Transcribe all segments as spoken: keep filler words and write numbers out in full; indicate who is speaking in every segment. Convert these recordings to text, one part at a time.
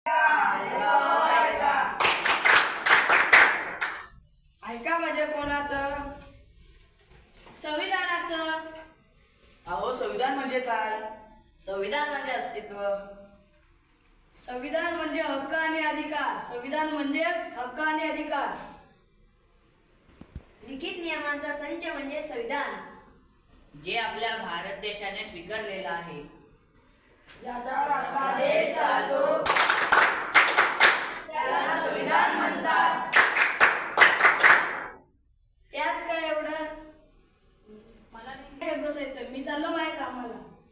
Speaker 1: ऐका म्हणजे कोणाचं?
Speaker 2: संविधानाचं.
Speaker 1: अहो संविधान म्हणजे काय? संविधान म्हणजे अस्तित्व.
Speaker 2: संविधान म्हणजे हक्क आणि अधिकार. संविधान म्हणजे हक्क आणि अधिकार.
Speaker 3: लिखित नियमांचा संच म्हणजे संविधान,
Speaker 4: जे आपल्या भारत देशाने स्वीकारलेलं आहे.
Speaker 1: याच्यावर आपला देश चालतो त्याला संविधान म्हणतात.
Speaker 2: त्यात काय एवढं? मला नाही बसायचं, मी चाललो माझ्या कामाला.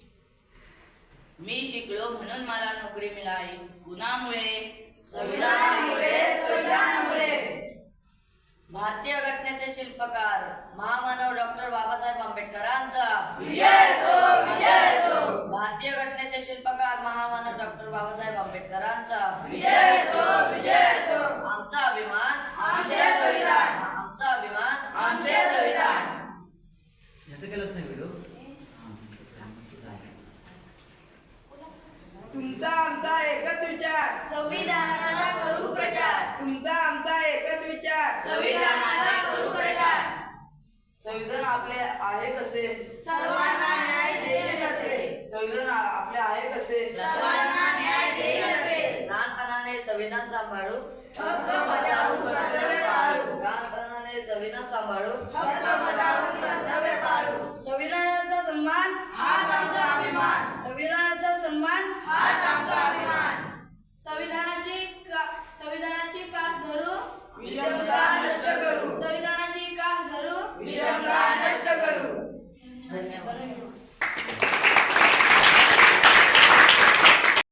Speaker 4: मी शिकलो म्हणून मला नोकरी मिळाली. कुणामुळे?
Speaker 1: संविधानामुळे. संविधानामुळे.
Speaker 4: भारतीय घटनेचे शिल्पकार महामानव डॉक्टर बाबासाहेब आंबेडकरांचा
Speaker 1: विजय असो, विजय असो.
Speaker 4: भारतीय घटनेचे शिल्पकार महामानव डॉक्टर बाबासाहेब आंबेडकरांचा
Speaker 1: विजय असो, विजय असो.
Speaker 4: आमचा अभिमान
Speaker 1: आमचे संविधान.
Speaker 4: आमचा अभिमान
Speaker 1: आमचे संविधान.
Speaker 5: याचं केलंच नाही व्हिडिओ.
Speaker 1: तुमचा आमचा एकच विचार.
Speaker 3: संविधानाचा करू प्रचार,
Speaker 1: तुमचा आमचा एकच विचार.
Speaker 3: संविधानाचा करू प्रचार.
Speaker 1: संविधान आपले आहे कसे?
Speaker 3: सर्वांना न्याय देईल असे.
Speaker 1: संविधान आपले आहे कसे?
Speaker 3: सर्वांना न्याय देईल असे.
Speaker 4: लहानपणाने संविधान सांभाळू,
Speaker 3: हक्क बजावू, कर्तव्य पाळू.
Speaker 4: लहानपणाने संविधान सांभाळू,
Speaker 3: हक्क बजावू.